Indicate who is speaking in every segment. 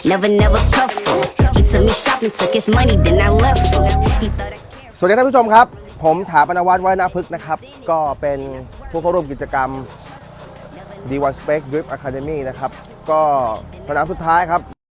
Speaker 1: never cuff him. He took me shopping, took his money, then I left him. He thought I cared.
Speaker 2: สวัสดีท่านผู้ชมครับผมถาปนวัฒน์ วัฒนพฤกษ์นะครับก็เป็นผู้เข้าร่วมกิจกรรม D1 Spec Drift Academy นะครับก็สนามสุดท้ายครับ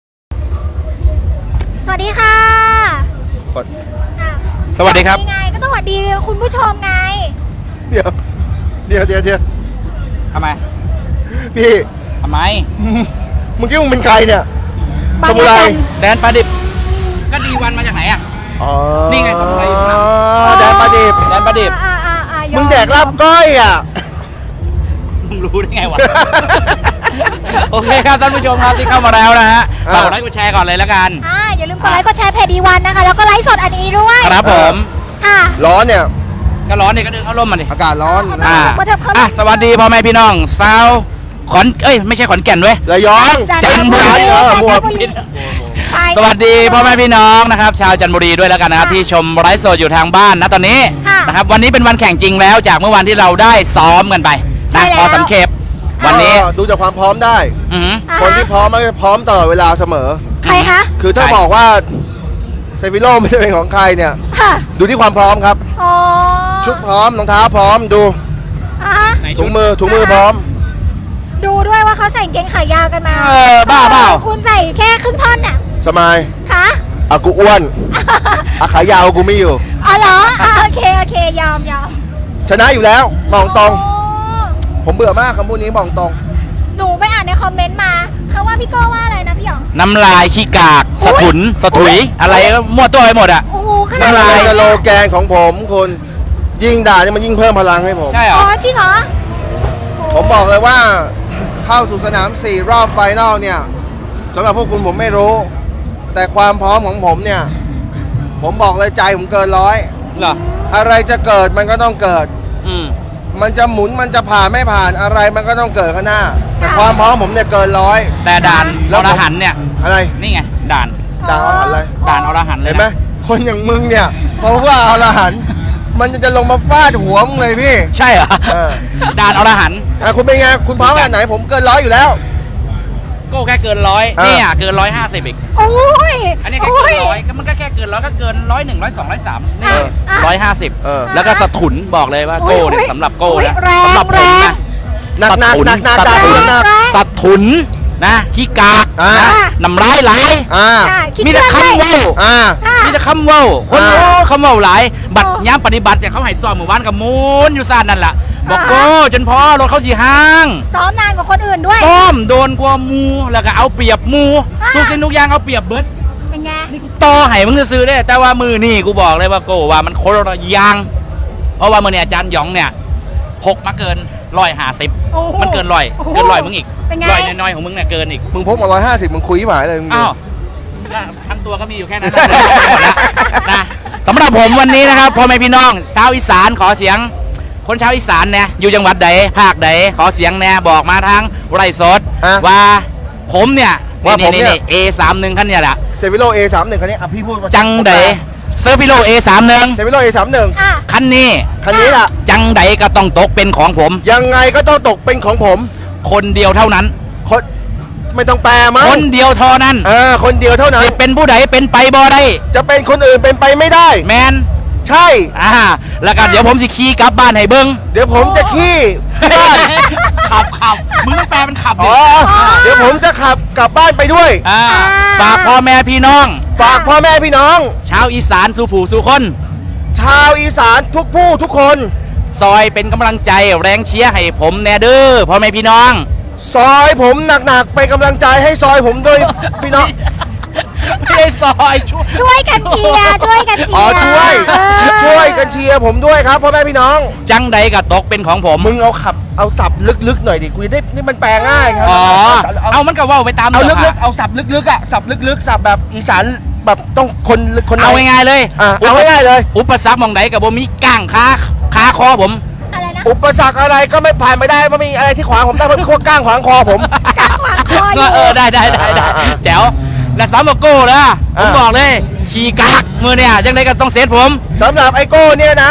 Speaker 3: สวัสดีค่ะ
Speaker 2: กด
Speaker 3: อ่ะ
Speaker 4: สวัสดีครับ
Speaker 3: ยังไงก็ต้องสวัสดีคุณผู้ชมไง
Speaker 2: เดี๋ยว
Speaker 4: ทำไม
Speaker 2: พี่
Speaker 4: ทำไม
Speaker 2: มึงคิดว่ามึงเป็นใครเนี่ย
Speaker 3: บาง
Speaker 2: สมุไร
Speaker 3: ระจัน
Speaker 4: แดนปลาดิบ ก็ดีวันมาจากไหนอ่ะ
Speaker 2: อ๋อ
Speaker 4: นี่ไงสมุไรอยู่ข้างหลัง
Speaker 2: แดนปลาดิบ
Speaker 4: แดนปลาดิบ
Speaker 3: ยอ
Speaker 2: มึงแดกลาบก้อยอ่ะ
Speaker 4: มึงรู้ได้ไงวะ โอเคครับท่านผู้ชมครับที่เข้ามาแล้วนะฮะ
Speaker 2: อ่า
Speaker 4: ฝากกดไลค์กดแชร์ก่อนเลยแล้วกัน
Speaker 3: อย่าลืมกดไลค์กดแชร์เพจดีวันนะคะ แล้วก็ไลฟ์สดอันนี้ด้วย
Speaker 4: ครับผม
Speaker 3: ค่ะ
Speaker 2: ร้อนเนี่ย
Speaker 4: ก็ร้อนเนี่ยก็เดินเข้าร่มมาดิ
Speaker 2: อากาศร้อน
Speaker 4: อ่า
Speaker 3: มาเถอะเข้าร่ม
Speaker 4: สวัสดีพ่อแม่พี่น้องสาวไม่ใช่ขอนแก่นเว้ย
Speaker 2: ระยอง
Speaker 4: จันทบุรี
Speaker 2: มั่ว
Speaker 3: ไป
Speaker 4: สวัสดีพ่อแม่พี่น้องนะครับชาวจันทบุรีด้วยแล้วกันนะครับที่ชมไลฟ์สดอยู่ทางบ้านนะตอนนี้
Speaker 3: ค่ะ
Speaker 4: นะครับวันนี้เป็นวันแข่งจริงแล้วจากเมื่อวันที่เราได้ซ้อมกันไป
Speaker 3: ใช่
Speaker 4: นะ
Speaker 3: แล้ว
Speaker 4: พอสังเขปวันนี้
Speaker 2: ก็ดูจากความพร้อมได้
Speaker 4: อือหือ
Speaker 2: คนที่พร้อมมันจะพร้อมตลอดเวลาเสมอ
Speaker 3: ใครคะ
Speaker 2: คือถ้า
Speaker 4: ใคร
Speaker 2: บอกว่าเซฟิโลไม่ใช่เป็นของใครเนี่ย
Speaker 3: ค่ะ
Speaker 2: ดูที่ความพร้อมครับ
Speaker 3: อ๋อ
Speaker 2: ชุดพร้อมรองเท้าพร้อมดู
Speaker 3: อ่ะ
Speaker 4: ไหน
Speaker 2: ถุ
Speaker 4: ชุ
Speaker 2: ง
Speaker 4: ด
Speaker 2: มือพร้อม
Speaker 3: ดูด้วยว่าเขาใส่กางเกงขายาวกันมา
Speaker 4: บ้าเปล่า
Speaker 3: คุณใส่แค่ครึ่งท่อนน่ะ
Speaker 2: สมาย
Speaker 3: คะ
Speaker 2: อ่ะกูอ้วนอ่ะขายาวกูไม่อยู่
Speaker 3: อ๋อเหรอโอเคยอม
Speaker 2: ชนะอยู่แล้วมองตรง
Speaker 3: โอ้
Speaker 2: ผมเบื่อมากคำพูดนี้มองตรง
Speaker 3: หนูไปอ่านในคอมเมนต์มาเขาว่าพี่โก้ว่าอะไรนะพี่หยอง
Speaker 4: น้ำลายขี้กาก
Speaker 3: อุ๊ย
Speaker 4: สะถุยอะไรก็มั่วตัวไปหมดอ่ะ
Speaker 3: โอ้โหขนาด
Speaker 2: นั่น
Speaker 3: นั้น
Speaker 2: เล
Speaker 3: เลย ย
Speaker 2: สโลแกนของผมคุณยิ่งด่าเนี่ยมันยิ่งเพิ่มพลังให้ผม
Speaker 4: ใช่เหร
Speaker 3: อ๋
Speaker 4: อ
Speaker 3: อจริงเหรอ
Speaker 2: ผมบอกเลยว่าเข้าสู่สนาม 4 รอบไฟนอลเนี่ยสำหรับพวกคุณผมไม่รู้ แต่ความพร้อมของผมเนี่ย ผมบอกเลยใจผมเกินร้อย
Speaker 4: เหรอ
Speaker 2: อะไรจะเกิดมันก็ต้องเกิด
Speaker 4: อืม
Speaker 2: มันจะหมุนมันจะผ่านไม่ผ่านอะไรมันก็ต้องเกิดข้างหน้า แต่ความพร้อมผมเนี่ยเกินร้อย
Speaker 4: แต่ด่าน
Speaker 2: แล้ว
Speaker 4: อ
Speaker 2: ผม
Speaker 4: รหันต์เนี่ย
Speaker 2: อะไร
Speaker 4: นี่ไงด่าน
Speaker 2: ด่าเอาหันอะไร
Speaker 4: ด่านอรหันต์เลย
Speaker 2: เห็นไหม
Speaker 4: นะ
Speaker 2: คนอย่างมึงเนี่ยเพราะว่าเอาละหันมันจะลงมาฟาดหัวมึงเลยพี่
Speaker 4: ใช่เหรอ
Speaker 2: เออ
Speaker 4: ด่านอรหันต์
Speaker 2: คุณเป็นไงคุณพร้อมขนาดไหนผมเกินร้อยอยู่แล้ว
Speaker 4: ก็แค่เกินร้อย
Speaker 2: อ่า
Speaker 4: เนี่ยเกิน150อีก
Speaker 3: โอ้ย
Speaker 4: อันนี้แค่เกินร้อยก็มันก็แค่เกินร้อยก็เกิน101 102 103นี่
Speaker 3: อ่ะ
Speaker 2: เออ
Speaker 4: 150แล้วก็สะถุนบอกเลยว่าโก้เนี่ยสำหรับโก้นะ
Speaker 3: แรง
Speaker 4: สำหรับผมนะ
Speaker 2: หนักหนักหนักหนัก
Speaker 4: สะ
Speaker 2: หนัก
Speaker 4: ถุน
Speaker 2: หนัก
Speaker 4: สะถุนนะขี้กาก
Speaker 2: อ่า
Speaker 4: นะน้ำร้ายไหล
Speaker 2: อ่า
Speaker 3: ค่ะคิด
Speaker 4: มีแต่
Speaker 3: เรื่อง
Speaker 4: คำ
Speaker 3: เลย
Speaker 4: เว้า
Speaker 2: อ่า
Speaker 3: ค่ะ
Speaker 4: มีแต่คำเว้าคน
Speaker 2: อ่า
Speaker 4: โอ้คำเว้าหลาย บัตร
Speaker 3: โอ้
Speaker 4: ย้ำปฏิบัติแต่เขาให้ซ้อมหมู่บ้านกับมูนอยู่ซ่านนั่นแหละบอก
Speaker 3: อ่า
Speaker 4: โก้จนพอรถเขาสีห้าง
Speaker 3: ซ้อมนานกว่าคนอื่นด้วย
Speaker 4: ซ้อมโดนกว่ามูแล้วก็เอาเปรียบมู
Speaker 3: อ่า
Speaker 4: ทุกสิ่งทุกอย่างเอาเปรียบเบิด
Speaker 3: เป็นไง
Speaker 4: ต่อให้มึงจะซื้อได้แต่ว่ามือนี่กูบอกเลยว่าโก้ว่ามันโคตรยาง เพราะว่ามือเนี่ยอาจารย์หยองเนี่ยพกมาเกิน150
Speaker 3: โอ้โห
Speaker 4: มันเกินร้อย
Speaker 3: โอ้โห
Speaker 4: เกินร้อยมึงอีก
Speaker 3: เป็นไง
Speaker 4: ร้อยน้อยๆของมึงเนี่ยเกินอีก
Speaker 2: มึงพกมา150มึงคุยหมายเลยมึงดู
Speaker 4: อ้าวทั้งตัวก็มีอยู่แค่นั้นแหละนะสำหรับผมวันนี้นะครับพ่อแม่พี่น้องชาวอีสานขอเสียง คนชาวอีสานเนี่ยอยู่จังหวัดใดภาคใดขอเสียงแน่บอกมาทางไร่สด
Speaker 2: อ่ะ
Speaker 4: ว่าผมเนี่ย
Speaker 2: ว่าผมเนี่ย
Speaker 4: A31 คันเนี่ยแหละ
Speaker 2: เซฟิโล A31 คันนี้อ่ะพี่พูดมา
Speaker 4: จังใดเซอร์ฟิโล A31
Speaker 2: เซฟิโล A31
Speaker 3: อ่ะ
Speaker 4: คันนี้
Speaker 2: คันนี้ล่ะ
Speaker 4: จังใดก็ต้องตกเป็นของผม
Speaker 2: ยังไงก็ต้องตกเป็นของผม
Speaker 4: คนเดียวเท่านั้น
Speaker 2: คนไม่ต้องแปลมั้ง
Speaker 4: คนเดียวเท่านั้น
Speaker 2: คนเดียวเท่านั้น
Speaker 4: สิเป็นผู้ใดเป็นไปบ่ได้
Speaker 2: จะเป็นคนอื่นเป็นไปไม่ได้
Speaker 4: แมน
Speaker 2: ใช่
Speaker 4: แล้วกันเดี๋ยวผมสิขี่กลับบ้านให้เบิ้ง
Speaker 2: เดี๋ยวผมจะขี้ที่บ้าน
Speaker 4: ขับมึงต้องแปลเป็นขับดิ
Speaker 2: อ๋อเดี๋ยวผมจะขับกลับบ้านไปด้วย
Speaker 4: ฝากพ่อแม่พี่น้อง
Speaker 2: ฝากพ่อแม่พี่น้อง
Speaker 4: ชาวอีสานสู่ผู้สู่คน
Speaker 2: ชาวอีสานทุกผู้ทุกคน
Speaker 4: ซอยเป็นกำลังใจแรงเชียร์ให้ผมแน่เด้อพ่อแม่พี่น้อง
Speaker 2: ซอยผมหนักๆเป็นกำลังใจให้ซอยผมด้วยพี่น้อง
Speaker 4: ไม่ได้ซอยช่วย
Speaker 3: ช่วยกันเชียร์ช่วยกันเชียร์
Speaker 2: อ๋อช่วย
Speaker 3: เออ
Speaker 2: ช่วยกันเชียร์ผมด้วยครับพ่อแม่พี่น้อง
Speaker 4: จังใดก็ตกเป็นของผม
Speaker 2: มึงเอาสับลึกๆหน่อยดิกูจะได้นี่มันแปลง่ายครั
Speaker 4: อ๋อ
Speaker 2: เอา
Speaker 4: เอามันก็เว่าไปตาม
Speaker 2: เอา
Speaker 4: เรื่อง
Speaker 2: ลึกๆ
Speaker 4: อะ
Speaker 2: เอาสับลึกๆอ่ะสับลึกๆสับแบบอีสานแบบต้องคน
Speaker 4: เอาง่ายๆเลย
Speaker 2: เอาง่ายๆเลย
Speaker 4: อุปสรรคมองใดกับบ่มีก้างขาคอผม
Speaker 3: อะไรนะ
Speaker 2: อุปสรรคอะไรก็ไม่ผ่านไม่ได้ไม่มีอะไรที่ขวางผมได้เพราะขั้วก้างขวางคอผม
Speaker 3: กางขวางคออยู่
Speaker 4: ได้
Speaker 2: อ่า
Speaker 4: แจ๋วและสามโก้นะผม
Speaker 2: อ่า
Speaker 4: บอกเลยขี่กากมือเนี่ยจังใดก็ต้องเซตผม
Speaker 2: สำหรับไอโก้เนี่ยนะ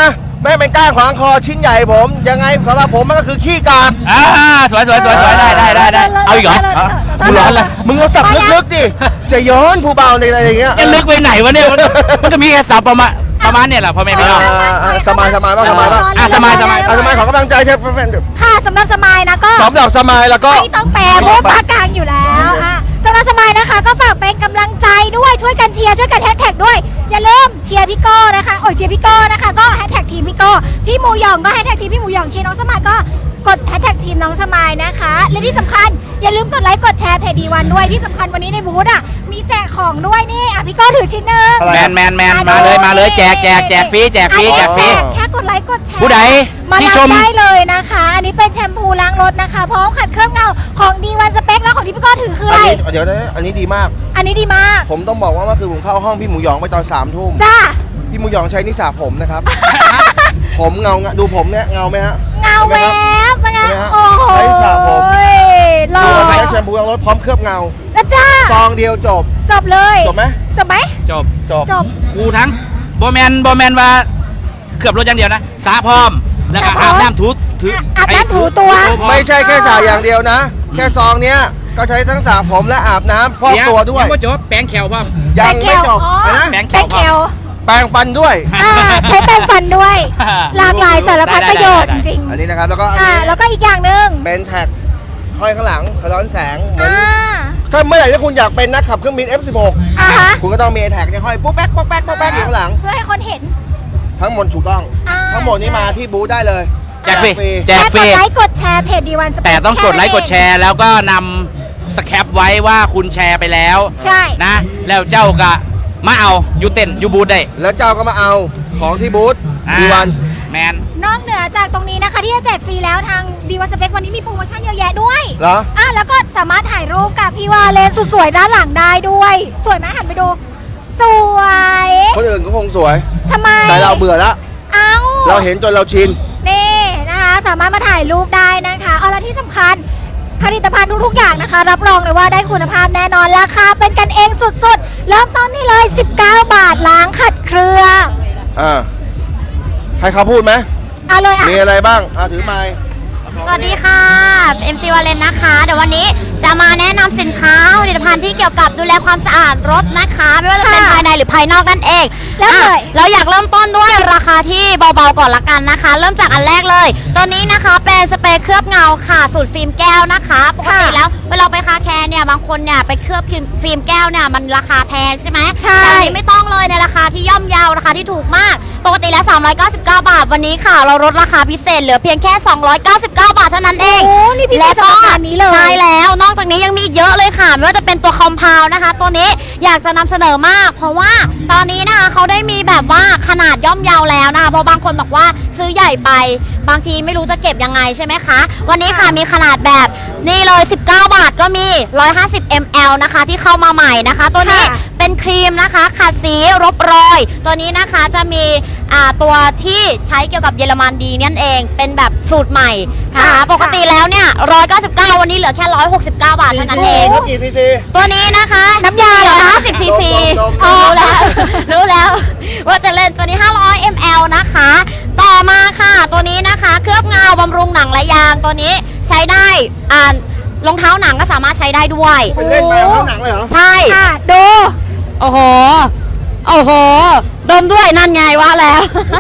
Speaker 2: ไม่เป็นก้างขวางคอชิ้นใหญ่ผมยังไงสำหรับผมมันก็คือขี้กาก
Speaker 4: สวยได้เอาอีกเหรอ กูร้อนละ
Speaker 2: มึงเอาสับลึกๆดิจะย้อนผู้เบาในอะไรอย่างเงี้ย
Speaker 4: จะลึกไปไหนวะเนี่ยมันก็มีแค่สับประมาณเนี่ยแหละพ่อแม่พี่น้อง
Speaker 2: สมายบ้างสมายบ้าง
Speaker 4: สมาย
Speaker 2: สมายขอกำลังใจใช่
Speaker 3: ค่ะสำหรับสมายนะก็
Speaker 2: สำหรับสมายแล้วก็
Speaker 3: ไม่ต้องแปลเพราะภาคกลางอยู่แล้วค่ะสำหรับสมายนะคะก็ฝากเป็นกำลังใจด้วยช่วยกันเชียร์ช่วยกันแฮชแท็กด้วยอย่าลืมเชียร์พี่โก้นะคะเชียร์พี่โก้นะคะก็แฮชแท็กทีมพี่โก้พี่หมูหยองก็แฮชแท็กทีมพี่หมูหยองเชียร์น้องสมายก็กดแฮชแท็กทีมน้องสมายนะคะและที่สำคัญอย่าลืมกดไลค์กดแชร์เพจดีวันด้วยที่สำคัญวันนี้ในบูธอ่ะมีแจกของด้วยนี่พี่โก้ถือชิ้นหนึ่ง
Speaker 2: อะไร
Speaker 4: แมนมาเลยแจกฟรีแจกฟรี
Speaker 3: แค่กดไลค์กดแชร์
Speaker 4: ผู้ใด
Speaker 3: มา
Speaker 4: ที่
Speaker 3: รับ
Speaker 4: ชม
Speaker 3: ได้เลยนะคะ อันนี้เป็นแชมพูล้างรถนะคะพร้อมขัดเคลือบเงาของดีวันสเปคแล้วของที่พี่โก้ถือคืออะไร
Speaker 2: เดี๋ยวนะอันนี้ดีมาก
Speaker 3: อันนี้ดีมาก
Speaker 2: ผมต้องบอกว่าเมื่อคืนผมเข้าห้องพี่หมูหยองไปตอน3 ทุ่ม
Speaker 3: จ้า
Speaker 2: พี่หมูหยองใช้นิสาผมนะครับ ผมเงาดูผมเนี่ยเงาไหมฮะ
Speaker 3: เงาแวบเป็นไง
Speaker 2: เห็นไหมฮะ
Speaker 3: โอ้โห
Speaker 2: ใช้สระผม
Speaker 3: หล่อ
Speaker 2: ดูว่าใช้แชมพูล้างรถพร้อมเคลือบเงา
Speaker 3: แล้วจ้า
Speaker 2: ซองเดียวจบ
Speaker 3: จบเลย
Speaker 2: จบไหม
Speaker 3: จบไหม
Speaker 4: จบ
Speaker 3: จบ
Speaker 4: กูทั้งบอแมนว่าเกือบรถอย่างเดียวนะสาพร้อมแล้วก็อาบน้ำถู
Speaker 3: อาบน้ำถูตัว
Speaker 2: ไม่ใช่แค่สระอย่างเดียวนะ แค่ซองเนี้ยก็ใช้ทั้งสระผมและอาบน้ำฟอกตัวด้วย
Speaker 4: ยังไม่จบแป้งแขวพร้อม
Speaker 2: ยังไม่จบ
Speaker 3: อ๋อ
Speaker 2: นะ
Speaker 4: แป้ง
Speaker 3: แป้งเขียว
Speaker 2: แปรงฟันด้วย
Speaker 3: ใช้แป้งฟันด้วย หลากหลายสารพัดประโยชน์จริง
Speaker 2: อันนี้นะครับแล้วก็อัน
Speaker 3: ๆ
Speaker 2: นี้
Speaker 3: แล้วก็อีกอย่างหนึ่ง
Speaker 2: เป็นแท็กห้อยข้างหลังสะท้อนแสงเหมือน
Speaker 3: อ่า
Speaker 2: ถ้าเมื่อไหร่ที่คุณอยากเป็นนักขับเครื่องบิน F16
Speaker 3: อ่าฮะ
Speaker 2: คุณก็ต้องมีแท็กเนี่ยห้อยปุ๊บแป๊กปุ๊บแป๊กปุ๊บแป๊กอยู่ข้างหลัง
Speaker 3: เพื่อให้คนเห็น
Speaker 2: ทั้งหมดถูกต้อง
Speaker 3: อ่า
Speaker 2: ทั้งหมดนี้มาที่บูธได้เลย
Speaker 4: แจกฟรีแจกฟรี
Speaker 3: แค่กดไลค์กดแชร์เพจดีวันสเปค
Speaker 4: แต่ต้องกดไลค์กดแชร์แล้วก็นำสแคปไว้ว่าคุณแชร์ไปแล้ว
Speaker 3: ใช่
Speaker 4: นะ แล้วเจ้าก็มาเอาอยู่เต้นอยู่บูธได้
Speaker 2: แล้วเจ้าก็มาเอาของที่บูธ
Speaker 4: อ่า
Speaker 2: ดีวัน
Speaker 4: แมน
Speaker 3: นอกเหนือจากตรงนี้นะคะที่จะแจกฟรีแล้วทางดีวันสเปควันนี้มีโปรโมชั่นเยอะแยะด้วย
Speaker 2: เหรอ
Speaker 3: แล้วก็สามารถถ่ายรูปกับพี่วาเลนสุดสวยด้านหลังได้ด้วย สวยไหมหันไปดู สวย
Speaker 2: คนอื่นก็คงสวย
Speaker 3: ทำไม
Speaker 2: แต่เราเบื่อแล้ว
Speaker 3: เอ้า
Speaker 2: เราเห็นจนเราชิน
Speaker 3: นี่นะคะสามารถมาถ่ายรูปได้นะคะเอาละที่สำคัญผลิตภัณฑ์ทุกๆอย่างนะคะ รับรองเลยว่าได้คุณภาพแน่นอนราคาเป็นกันเองสุดๆเริ่มต้นนี่เลย 19 บาทล้างขัดเครื่อง
Speaker 2: ให้เขาพูดไหม
Speaker 3: เอาเลยอ่ะ
Speaker 2: มีอะไรบ้างถือไมค์
Speaker 5: สวัสดีค่ะ MC วาเลนนะคะ เดี๋ยววันนี้จะมาแนะนำสินค้าผลิตภัณฑ์ที่เกี่ยวกับดูแลความสะอาดรถนะคะ ไม่ว่าจะเป็น
Speaker 3: ค่ะ
Speaker 5: ภายในหรือภายนอกนั่นเอง
Speaker 3: แล้วเลย
Speaker 5: เราอยากเริ่มต้นด้วยราคาที่เบาๆก่อนละกันนะคะ เริ่มจากอันแรกเลย ตัวนี้นะคะเป็นสเปรย์เคลือบเงาค่ะสูตรฟิล์มแก้วนะคะปกติแล้วเวลาไปคาแคร์เนี่ยบางคนเนี่ยไปเคลือบฟิล์มแก้วเนี่ยมันราคาแพงใช่ไหม
Speaker 3: ใช่
Speaker 5: แต่อันนี้ไม่ต้องเลยในราคาที่ย่อมเยาราคาที่ถูกมาก ปกติแล้ว 399 บาทวันนี้ค่ะ เราลดราคาพิเศษเหลือเพียงแค่ 299 บาทเท่านั้นเอง
Speaker 3: โอ้นี่พิเศษสำหรับงานนี้เลย
Speaker 5: ใช่แล้วนอกจากนี้ยังมีอีกเยอะเลยค่ะไม่ว่าจะเป็นตัวคอมเพลนะคะ ตัวนี้อยากจะนำเสนอมาก เพราะว่าตอนนี้นะคะเขาได้มีแบบว่าขนาดย่อมเยาแล้วนะคะเพราะบางคนบอกว่าซื้อใหญ่ไปบางทีไม่รู้จะเก็บยังไงใช่ไหมคะวันนี้ค่ะมีขนาดแบบนี่เลย19 บาทก็มี150 ml นะคะที่เข้ามาใหม่นะคะ ตัวนี้
Speaker 3: ค่ะ
Speaker 5: เป็นครีมนะคะขัดสีรบรอย ตัวนี้นะคะจะมีตัวที่ใช้เกี่ยวกับเยอรมันดีนั่นเองเป็นแบบสูตรใหม่นะคะ
Speaker 3: ค่ะ
Speaker 5: ปกติแล้วเนี่ย199วันนี้เหลือแค่169 บาทเท่านั้นเอง
Speaker 2: รถกี่ซีซี
Speaker 5: ตัวนี้นะคะ
Speaker 3: น้ำยาเหรอคะ
Speaker 5: 50 ซีซี
Speaker 2: ดมๆๆ
Speaker 5: รู้แล้วรู้แล้ว ว่าจะเล่นตัวนี้ 500 ml นะคะ ต่อมาค่ะ ตัวนี้นะคะ เคลือบเงาบำรุงหนังและยาง ตัวนี้ใช้ได้รองเท้าหนังก็สามารถใช้ได้ด้วย
Speaker 2: เป็นเล่นไปเข้าหนังเลยเหรอ
Speaker 5: ใช่
Speaker 3: ค่ะดู
Speaker 5: โอ้โห โอ้โห ดมด้วยนั่นไงว่าแล้ว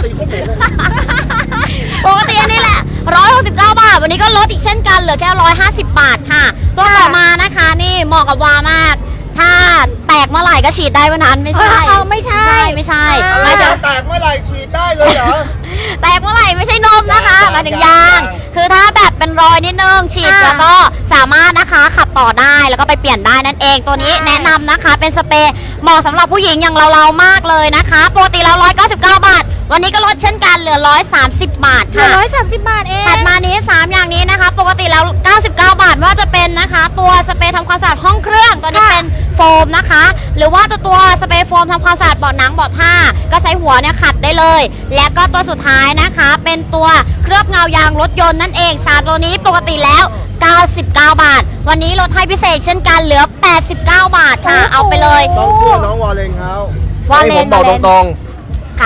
Speaker 5: ปกติอันนี้แหละ169 บาท วันนี้ก็ลดอีกเช่นกัน เหลือแค่150 บาทค่ะ ตัวต่อมานะคะนี่เหมาะกับวามาก ถ้าแตกเมื่อไหร่ก็ฉีดได้วันนั้นไม่ใช่
Speaker 3: เอาไม่ใช่
Speaker 5: ไม่ใช่
Speaker 3: อ่า
Speaker 5: หมายถึง
Speaker 2: แตกเมื่อไหร่ฉีดได้เลยเหรอ
Speaker 5: แตกเมื่อไหร่ไม่ใช่นมนะคะหมายถึงยาง
Speaker 2: ยาง
Speaker 5: คือถ้าแบบเป็นรอยนิดนึงฉีด
Speaker 3: อ่า
Speaker 5: แล้วก็สามารถนะคะขับต่อได้แล้วก็ไปเปลี่ยนได้นั่นเองตัวนี้
Speaker 3: ใช่
Speaker 5: แนะนำนะคะเป็นสเปรย์เหมาะสำหรับผู้หญิงอย่างเราๆมากเลยนะคะปกติแล้ว199 บาท วันนี้ก็ลดเช่นกันเหลือ130 บาท
Speaker 3: เหลือ
Speaker 5: ค่ะ
Speaker 3: 130 บาทเอง
Speaker 5: ถัดมานี้ 3 อย่างนี้นะคะ ปกติแล้ว 99 บาทไม่ว่าจะเป็นนะคะ ตัวสเปรย์ทำความสะอาดห้องเครื่อง ตัวนี้
Speaker 3: ค่ะ
Speaker 5: เป็นโฟมนะคะ หรือว่าตัวสเปรย์โฟมทำความสะอาดเบาะหนังเบาะผ้า ก็ใช้หัวเนี่ยขัดได้เลย และก็ตัวสุดท้ายนะคะ เป็นตัวเคลือบเงายางรถยนต์นั่นเอง 3 ตัวนี้ปกติแล้ว 99 บาท วันนี้ลดให้พิเศษเช่นกันเหลือ 89 บาทค่ะ เอาไปเลย
Speaker 2: ต้องเชื่อน้องวอลเลนเขา
Speaker 5: วอลเลน
Speaker 2: ให้ผมบอก
Speaker 5: วอลเลน
Speaker 2: ตรง
Speaker 5: ค่ะ
Speaker 2: ๆ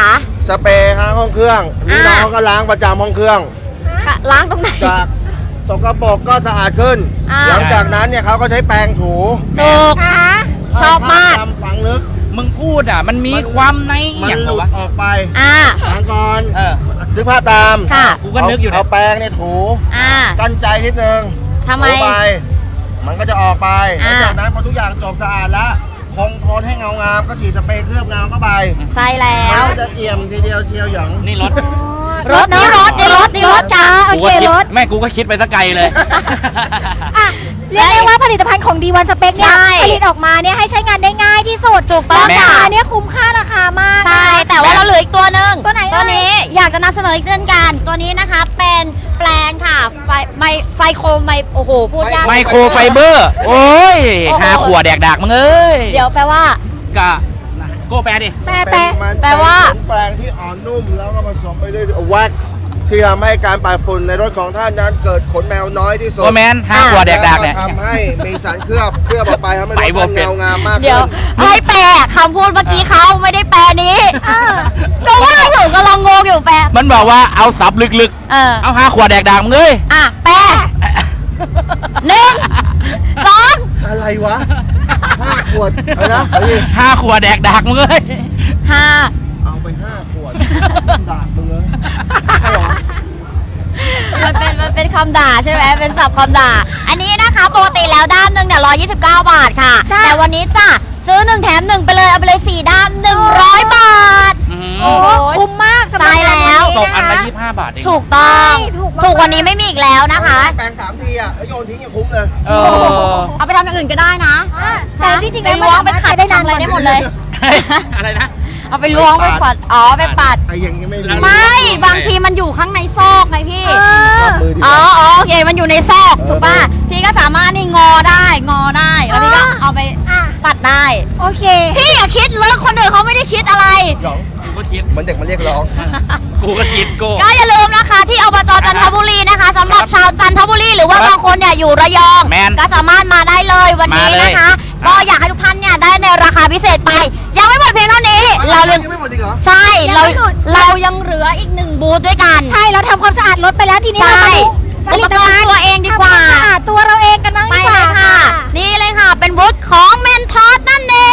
Speaker 2: สเปรย์ล้างห้องเครื่องนี่น้องก็ล้างประจำห้องเครื่อง
Speaker 5: ค่ะล้างตรงไหน
Speaker 2: จากสกปรกก็สะอาดขึ้น
Speaker 5: อ่า
Speaker 2: หลังจากนั้นเนี่ยเขาก็ใช้แปรงถู
Speaker 5: ถูก
Speaker 3: อ่ะ
Speaker 5: ชอบมาก
Speaker 2: ให้ภพจำฝังลึก
Speaker 4: มึงพูดอ่ะ มันมีความใน
Speaker 2: มั
Speaker 4: อย่าง
Speaker 2: ห
Speaker 4: เหร
Speaker 2: ลุ
Speaker 4: อ
Speaker 2: ด
Speaker 4: วะ
Speaker 2: ออกไป
Speaker 5: อ่า
Speaker 2: ล้างก่อน
Speaker 4: เออ
Speaker 2: นึกภาพตาม
Speaker 5: ค่ะ
Speaker 4: กูก็นึกอยู่เนี่ย
Speaker 2: เอาแปรงเนี่ยถู
Speaker 5: อ่า
Speaker 2: กั้นใจนิดนึง
Speaker 5: ทำไม
Speaker 2: ถูไปมันก็จะออกไปหลั
Speaker 5: อ่า
Speaker 2: งจากนั้นพอทุกอย่างจบสะอาดแล้วคงโคลนให้เงางามก็ฉีดสเปรย์เคลือบเงาเข้าไป
Speaker 5: ใช่แล้
Speaker 2: มัน
Speaker 5: ว
Speaker 2: ก็จะเอี่ยมทีเดียวเชียวหยอง
Speaker 4: นี่รถ
Speaker 5: รถนี่รถนี่รถนี่รถจ้า
Speaker 3: โอ
Speaker 4: กู
Speaker 3: เค
Speaker 4: ก็คิด
Speaker 3: รถ
Speaker 4: แม่กูก็คิดไปสักไกลเลย
Speaker 3: เรียกได้ว่าผลิตภัณฑ์ของ D1 Spec เนี่ย
Speaker 5: ใช่
Speaker 3: ผลิตออกมาเนี่ยให้ใช้งานได้ง่ายที่สุด
Speaker 5: ถูกต้อง
Speaker 3: รา
Speaker 5: จ้ะ
Speaker 3: คาเนี่ยคุ้มค่าราคามาก
Speaker 5: ใช่ แต่ว่าเราเหลืออีกตัวหนึ่ง
Speaker 3: ตัวไหนเอ่ย
Speaker 5: ตัวนี้อยากจะนำเสนออีกเช่นกัน ตัวนี้นะคะเป็นแปลงค่ะไฟโครไมโอ้โหพูดยาก
Speaker 4: ไมโครไฟเบอร์ โอ้ย
Speaker 5: โอ้โห
Speaker 4: หาขวดแดกดากมึงเอ้ย
Speaker 5: เดี๋ยวแปลว่า
Speaker 4: กะนะโก้แปลดิ
Speaker 3: แปะ
Speaker 2: มัน
Speaker 5: แปลว่า
Speaker 2: เป็นแปรงที่อ่อนนุ่มแล้วก็ผสมไปด้วยแว็กซ์ที่ทำให้การปาดฝุ่นในรถของท่านนั้นเกิดขนแมวน้อยที่สุด
Speaker 4: โอแมนหาขวดแดกดากเนี่ย
Speaker 2: แล้วทำให้มีสารเคลือบออกไปทำให้รถ
Speaker 4: ไปบ่
Speaker 2: ท่าน
Speaker 4: เป็น
Speaker 2: เงางามมาก
Speaker 5: เดี๋ยว
Speaker 2: ขึ้น
Speaker 5: ให้แปลคำพูดเมื่อกี้เขาไม่ได้แปลนี้ ก็ว่าอยู่กำลังงงอยู่แปล
Speaker 4: มันบอกว่าเอาสับลึก
Speaker 5: เออ
Speaker 4: ๆ เอาหาขวดแดกดากมึงเอ้ย
Speaker 5: อ่ะแปลหนึ่งสอง
Speaker 2: อะไรวะ5 ขวดอะไรนะเอาดิ
Speaker 4: หาขวดแดกดากมึงเอ้ย
Speaker 5: ห้า
Speaker 2: เอาไป5 ขวดด่ามึงเลยใช่หรอ
Speaker 5: มันเป็นคำด่าใช่ไหมเป็นศัพท์คำด่า อันนี้นะคะปกติแล้วด้ามหนึ่งเนี่ย129 บาทค่ะ แต่วันนี้จ้ะซื้อ1แถม1ไปเลยเอาไปเลย4ด้าม100 บาท
Speaker 3: โอ้คุ้มมากสำหรับ
Speaker 5: ใช่แล้ว
Speaker 4: ตกอันละ
Speaker 3: งา
Speaker 4: 25 บาทเอง
Speaker 5: ถูกต้อง
Speaker 3: ใช่ถูกมาก
Speaker 5: ถูกกว่านี้ไม่มีอีกแล้วนะคะ
Speaker 2: แปรง3 ทีอ่ะแล้วโยนทิ้งยังคุ้มเลย
Speaker 4: เออ
Speaker 5: เอาไปทำอย่างอื่นก็ได้นะ
Speaker 3: อ่ะแต่ที่จริง
Speaker 5: ไป
Speaker 3: แล้ว
Speaker 5: ล้วงไป
Speaker 3: มัน
Speaker 5: ขัด
Speaker 3: ได้นาน
Speaker 5: ทำอะไรได้หมดเลย
Speaker 4: อะไรนะ
Speaker 5: เอาไปล้วงไปฝัดอ๋อไปปัด
Speaker 2: ไอ้ยังไม่รู้
Speaker 5: ไม่ บางทีมันอยู่ข้างในซอกไงพี่
Speaker 2: มือดีก
Speaker 5: อ๋อ
Speaker 2: ว่า
Speaker 5: อ๋อโอเค มันอยู่ในซอก ถูกป่ะ พี่ก็สามารถนี่งอได้ แล้วพี่ก็เอาไป
Speaker 3: อ่ะ
Speaker 5: ปัดได้
Speaker 3: โอเค
Speaker 5: พี่อย่าคิดเลิกคนอื่นเขาไม่ได้คิดอะไร
Speaker 2: หยอง
Speaker 4: กูก็คิด
Speaker 2: เหมือนเด็กมาเรียกร้อง
Speaker 4: กูก็คิดกู
Speaker 5: ก็อย่าลืมนะคะที่อบจจันทบุรีนะคะสำหรับชาวจันทบุรีหรือว่า
Speaker 4: ครับ
Speaker 5: บางคนเนี่ยอยู่ระยอง
Speaker 4: แมน
Speaker 5: ก็สามารถมาได้เลยวันนี้
Speaker 4: มาเลย
Speaker 5: นะคะ ก็อยากให้ทุกท่านเนี่ยได้ในราคาพิเศษไป ยังไม่หมดเพียงเท่านี้ เรายัง
Speaker 2: ไม่หมดจริงเหรอ
Speaker 5: ใช่
Speaker 3: ยัง
Speaker 5: เรา
Speaker 3: ไม่หมด
Speaker 5: เรายังเหลืออีก1บูธด้วยกัน
Speaker 3: ใช่เราทำความสะอาดรถไปแล้วทีนี้
Speaker 5: ใช่
Speaker 3: เรามาดูผลิตภัณฑ์
Speaker 5: อุปกรณ์ตัวเองดีกว่า
Speaker 3: ทำคมสะอาดตัวเราเองกันบ้าง
Speaker 5: ไป
Speaker 3: ดีก
Speaker 5: เล
Speaker 3: ว่าย
Speaker 5: ค่ะ นี่เลยค่ะ เป็นบูธของเมนทอสนั่นเอง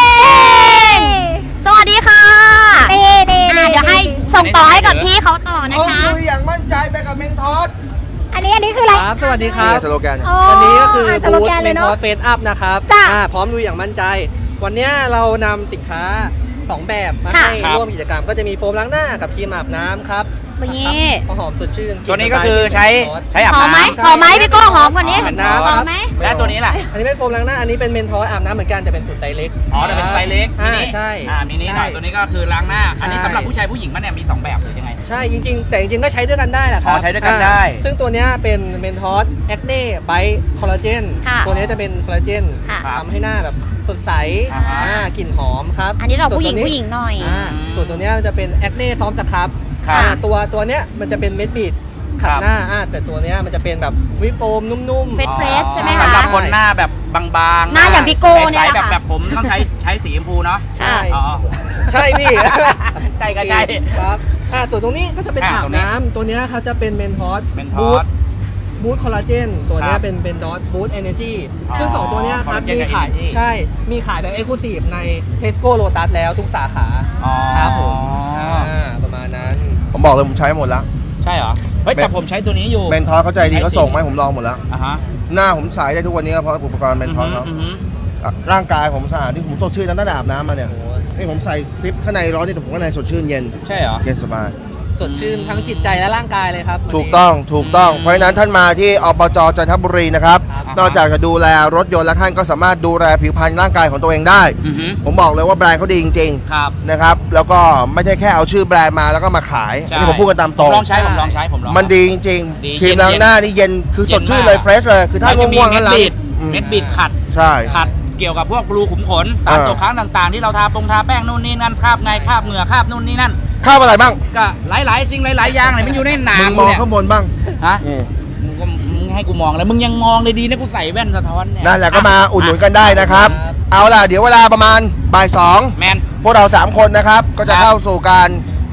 Speaker 5: สวัสดีค่ะ
Speaker 3: เน่เน่
Speaker 5: อ่ะเดี๋ยวให้ส่งต่อให้กับพี่เขาต่อนะ
Speaker 2: เอา
Speaker 5: คะ
Speaker 2: คุยอย่างมั่นใจไปกับเมงทอส
Speaker 3: อันนี้คืออะไร
Speaker 6: ครับสวัสดีค
Speaker 2: นี่
Speaker 6: รับ
Speaker 2: สโลแกน
Speaker 6: วันนี้ก็คือ
Speaker 3: สโล
Speaker 6: บูธ
Speaker 3: แกน
Speaker 6: เม
Speaker 3: เลย
Speaker 6: น
Speaker 3: เนาะ
Speaker 6: ทอสเฟสอัพนะครับ
Speaker 3: จ้ะ
Speaker 6: พร้อมลุยอย่างมั่นใจ วันนี้เรานำสินค้า 2 แบบมา
Speaker 5: ค่ะ
Speaker 6: ให้ร่วมกิจกรรม ก็จะมีโฟมล้างหน้ากับครีมอาบน้ำครับ
Speaker 5: นี่
Speaker 6: ครับหอมสดชื่น
Speaker 4: ตัวนี้ก็คือใช้อาบ
Speaker 5: หอมไหม
Speaker 4: น้ำ
Speaker 5: หอมไหมพี่โก้หอมกว่านี้
Speaker 6: อาบน้ำ
Speaker 5: หอมไหม
Speaker 4: และตัวนี้ล่ะ
Speaker 6: อันนี้เป็นโฟมล้างหน้า อันนี้เป็นเมนทอสอาบน้ำเหมือนกันแต่เป็นสูตรไซส์เล็ก
Speaker 4: อ๋อแต่เป็นไซส์เล็กมินิ
Speaker 6: ใช่
Speaker 4: มินิหน่อย ตัวนี้ก็คือล้างหน้า อันนี้สำหรับผู้ชายผู้หญิงมันเนี่ยมี 2 แบบหรือยังไง
Speaker 6: ใช่จริงๆ แต่จริงๆก็ใช้ด้วยกันได้แหละครั
Speaker 4: อ๋อใช้ด้วยกันได้
Speaker 6: ซึ่งตัวเนี้ยเป็นเมนทอสแอคเน่ไบท์คอลลาเจน
Speaker 5: ค่ะ
Speaker 6: ตัวเนี้ยจะเป็นคอลลาเจน
Speaker 5: ค่ะ
Speaker 6: ทำให้หน้าแบบสดใส
Speaker 4: อ่าฮะ
Speaker 6: กลิ่นหอมครับ
Speaker 5: อันนี้เราผู้หญิง
Speaker 6: ส่วนตัว
Speaker 5: ผู้หญิงหน่อย
Speaker 6: ส่วนตัวเนี้ยมันจะเป็นแอคเน่ซ้อมสครับ
Speaker 4: ครับ
Speaker 6: ตัวเนี้ยมันจะเป็นเม็ดบีดขั
Speaker 4: ค
Speaker 6: ด
Speaker 4: รับ
Speaker 6: หน้าแต่ตัวเนี้ยมันจะเป็นแบบวิปโฟมนุ่ม
Speaker 5: เฟรช fresh ใช่ไหมคะ
Speaker 4: สำหรับคนหน้าแบบบางๆ
Speaker 5: หน้าอย่างพี่โก้เนี่ย
Speaker 4: ใสๆ
Speaker 5: แหละ
Speaker 4: แบบ
Speaker 5: ค่ะ
Speaker 4: แบบผมต้องใช้สีชมพูเนาะ
Speaker 6: ๆ ใช่
Speaker 4: อ๋อ
Speaker 6: ใช่พี่
Speaker 4: ใช่ก็ใช่
Speaker 6: ครับส่วนตรงนี้ก็จะเป็น
Speaker 4: อ่า
Speaker 6: อาบ
Speaker 4: ตรงนี้
Speaker 6: น้ำตัวเนี้ยเขาจะเป็นเมนทอส
Speaker 4: เมนทอส
Speaker 6: บูทคอลลาเจนตัวเนี้
Speaker 4: ครั
Speaker 6: ย
Speaker 4: บ
Speaker 6: เป็นดอทบูทเอเนจี
Speaker 4: อ๋อ
Speaker 6: ซึ่งสองตัวเนี้ยครับ
Speaker 4: collagen
Speaker 6: มี
Speaker 4: กับ
Speaker 6: ขาย
Speaker 4: energy
Speaker 6: ใช่มีขายแบบเอ็กซ์คลูซีฟใน Tesco Lotus แล้วทุกสาขา
Speaker 4: อ๋อ
Speaker 6: ครับผมประมาณนั้น
Speaker 2: ผมบอกเลยผมใช้หมดแล้ว
Speaker 4: ใช่เหรอ เฮ้ยแต่ผมใช้ตัวนี้อยู่
Speaker 2: เมนทอสเขาใจดีเขาส่งมาให้ผมลองหมดแล้ว
Speaker 4: อ่ะฮะ
Speaker 2: หน้าผมใสได้ทุกวันนี้ก็เพราะอุปกรณ์เมนทอสเขา
Speaker 4: อือหือ
Speaker 2: ร่างกายผมสะอาดที่ผมสดชื่นตั้งแต่อาบน้ำมาเนี่ย
Speaker 6: โอ้โห
Speaker 2: นี่ผมใส่ซิปข้างในร้อนนี่แต่ผมข้างในสดชื่นเย็น
Speaker 4: ใช่เหรอ
Speaker 2: เย็นสบาย
Speaker 6: สดชื่นทั้งจิตใจและร่างกายเลยครับวันนี้
Speaker 2: ถูกต้องเพราะฉะนั้นท่านมาที่อบจจันทบุรีนะครับ
Speaker 6: ครับ
Speaker 2: นอกจากจะดูแลรถยนต์แล้วท่านก็สามารถดูแลผิวพรรณร่างกายของตัวเองได้
Speaker 4: อือหือ
Speaker 2: ผมบอกเลยว่าแบรนด์เขาดีจริง
Speaker 4: ครับ
Speaker 2: ๆนะครับแล้วก็ไม่ใช่แค่เอาชื่อแบรนด์มาแล้วก็มาขายอันนี้ผมพูดกันตามตรง
Speaker 4: ผมลองใช้ผมลอง
Speaker 2: มันดีจริง
Speaker 4: ดี
Speaker 2: ๆครีมล้างหน้านี่เย็นคือสดชื่นเลย
Speaker 4: เย็นมาก
Speaker 2: เฟรชเลยคือถ้า
Speaker 4: มันจะมี
Speaker 2: ง่วงๆ
Speaker 4: เม็
Speaker 2: นั่
Speaker 4: ด
Speaker 2: นหลัง
Speaker 4: บิด
Speaker 2: อืม
Speaker 4: เม็ดบิดขัด
Speaker 2: ใช่
Speaker 4: ขัดเกี่ยวกับพวกรูขุมขนสารตกค้างต่างๆ ที่เราทาแป้งนู่นนี่นั่นคราบไงคราบเหงื่อคราบนู่นนี่นั่น
Speaker 2: ข้าวอะไรบ้าง
Speaker 4: ก็หลายๆสิ่งหลายๆอย่างเลยมันอยู่ในหนา
Speaker 2: มึงม
Speaker 4: กู
Speaker 2: อง
Speaker 4: เนี่ย
Speaker 2: ข้างบนบ้าง
Speaker 4: ฮะ
Speaker 2: อืม
Speaker 4: มึงให้กูมองแล้วมึงยังมองเลยดีนะกูใส่แว่นสะท้อนเนี่ย
Speaker 2: นั่นแหละก็มาอุดหนุนกันได้นะครับ เอาล่ะเดี๋ยวเวลาประมาณบ่าย
Speaker 4: แมน
Speaker 2: 2พวกเรา3คนนะครับก็จะ
Speaker 4: ครับ
Speaker 2: เข้าสู่การแข่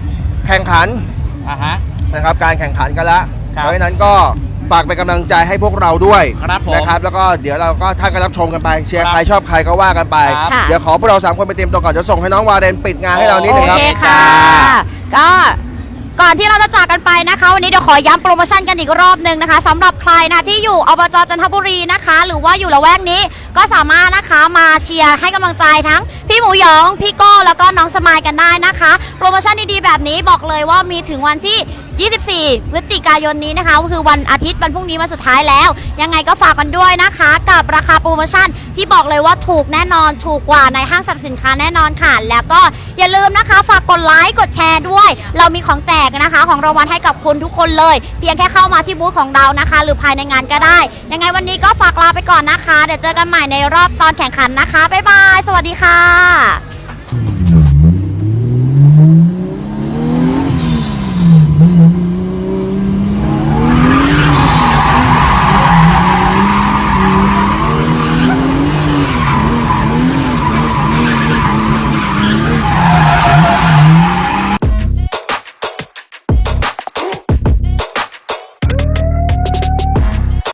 Speaker 2: แข่งขัน
Speaker 4: ฮะ
Speaker 2: นะครับการแข่งขันกันแล้ว
Speaker 4: ครับ
Speaker 2: เพราะฉะนั้นก็ฝากเป็นกำลังใจให้พวกเราด้วย
Speaker 4: ครับผม
Speaker 2: นะครับแล้วก็เดี๋ยวเราก็ท่านก็รับชมกันไปเชียร์
Speaker 4: ครับ
Speaker 2: ใครชอบใครก็ว่ากันไป
Speaker 4: ครับ
Speaker 3: ค่ะ
Speaker 2: เดี๋ยวขอพวกเรา3คนไปเตรียมตัวก่อนจะส่งให้น้องวาเรนปิดงานให้เรานิดนึงครับ
Speaker 5: โอเคค่ะ ก็ก่อนที่เราจะจากกันไปนะคะ วันนี้เดี๋ยวขอย้ำโปรโมชั่นกันอีกรอบหนึ่งนะคะสำหรับใครนะที่อยู่อบจจันทบุรีนะคะ หรือว่าอยู่ละแวกนี้ก็สามารถนะคะมาเชียร์ให้กำลังใจทั้งพี่หมูหยองพี่โก้แล้วก็น้องสมายกันได้นะคะ โปรโมชั่นดีๆแบบนี้บอกเลยว่ามีถึงวันที่ 24 พฤศจิกายนนี้นะคะก็คือวันอาทิตย์วันพรุ่งนี้วันสุดท้ายแล้ว ยังไงก็ฝากกันด้วยนะคะ กับราคาโปรโมชั่นที่บอกเลยว่าถูกแน่นอนถูกกว่าในห้างสรรพสินค้าแน่นอนค่ะแล้วก็อย่าลืมนะคะฝากกดไลค์กดแชร์ด้วย เรามีของแจกนะคะของรางวัลให้กับคุณทุกคนเลย เพียงแค่เข้ามาที่บูธของเรานะคะ หรือภายในงานก็ได้ ยังไงวันนี้ก็ฝากลาไปก่อนนะคะ เดี๋ยวเจอกันใหม่ในรอบตอนแข่งขันนะคะบ๊ายบายสวัสดีค่ะ